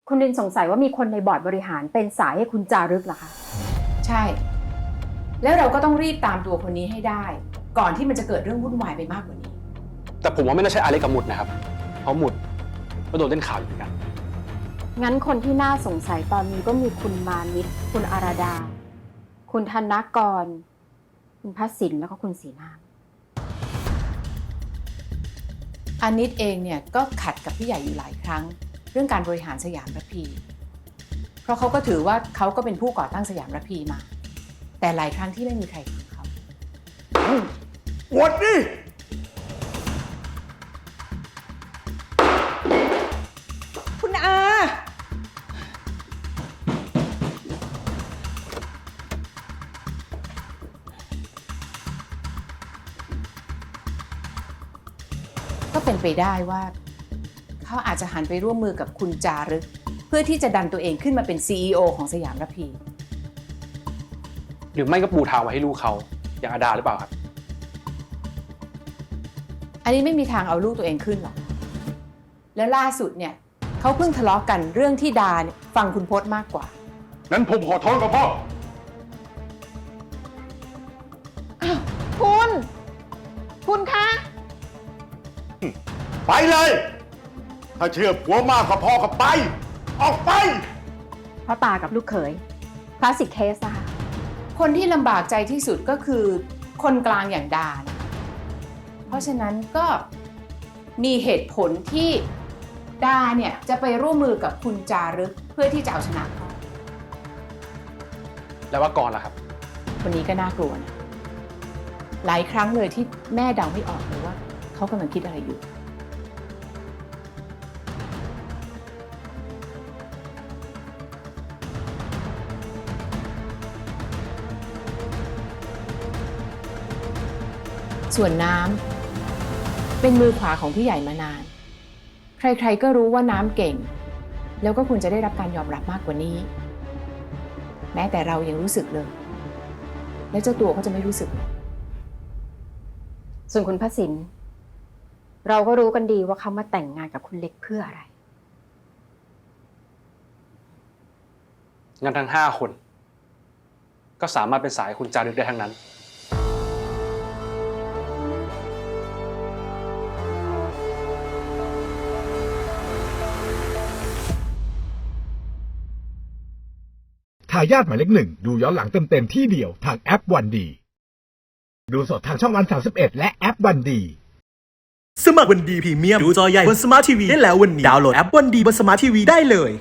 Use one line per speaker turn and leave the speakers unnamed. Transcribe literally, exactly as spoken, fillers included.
คุณรินสงสัยว่ามีคนในบอร์ดบริหารเป็นสายให้คุณจารึกเหรอคะ
ใช่แล้วเราก็ต้องรีบตามตัวคนนี้ให้ได้ก่อนที่มันจะเกิดเรื่องวุ่นวายไปมากกว่านี้
แต่ผมว่าไม่น่าใช่อาเล็กกับหมุดนะครับเพราะหมุดก็โดนเล่นข่าวอยู่เหมือนกัน
งั้นคนที่น่าสงสัยตอนนี้ก็มีคุณมานิดคุณอาราดาคุณธนกรคุณพัสินแล้วก็คุณศรีนาม
อานิดเองเนี่ยก็ขัดกับพี่ใหญ่อยู่หลายครั้งเรื่องการบริหารสยามระพีเพราะเขาก็ถือว่าเขาก็เป็นผู้ก่อตั้งสยามระพีมาแต่หลายครั้งที่ไม่มีใครฟังเขา
หวดดิ
คุณอา
ก็เป็นไปได้ว่าเขาอาจจะหันไปร่วมมือกับคุณจารึกเพื่อที่จะดันตัวเองขึ้นมาเป็น ซี อี โอ ของสยามระพี
หรือไม่ก็ปูทางไว้ให้ลูกเขาอย่างอาดาหรือเปล่าครับ
อันนี้ไม่มีทางเอาลูกตัวเองขึ้นหรอกแล้วล่าสุดเนี่ยเขาเพิ่งทะเลาะกันเรื่องที่ดาเนี่ยฟังคุณพจน์มากกว่า
นั้นผมขอโทษกับพ่อ
คุณ คุณคะ
ไปเลย ถ้าเชื่อผัวมากกว่าพ่อก็ไป ออกไป
พ่อตากับลูกเขยคลาสสิกเคสนะคะ
คนที่ลำบากใจที่สุดก็คือคนกลางอย่างดานะเพราะฉะนั้นก็มีเหตุผลที่ดาเนี่ยจะไปร่วมมือกับคุณจารึกเพื่อที่จะเอาชนะเขา
แล้วว่ากรล่ะครับ
คนนี้ก็น่ากลัวนะหลายครั้งเลยที่แม่เดาไม่ออกเลยว่าเขากำลังคิดอะไรอยู่ส่วนน้ำเป็นมือขวาของพี่ใหญ่มานานใครๆก็รู้ว่าน้ำเก่งแล้วก็ควรจะได้รับการยอมรับมากกว่านี้แม้แต่เรายังรู้สึกเลยแล้วเจ้าตัวก็จะไม่รู้สึก
ส่วนคุณพัสินเราก็รู้กันดีว่าเขามาแต่งงานกับคุณเล็กเพื่ออะไร
งั้นทั้งห้าคนก็สามารถเป็นสายคุณจารึกได้ทั้งนั้น
ทายาทหมายเลขหนึ่งดูย้อนหลังเต็มๆที่เดียวทางแอปวันดีดูสดทางช่องวันสามสิบเอ็ดและแอปวันดี
สมัครวันดีพรีเมียมดูจอใหญ่บนสมาร์ททีวีได้แล้ววันนี้ดาวน์โหลดแอปวันดีบนสมาร์ททีวีได้เลย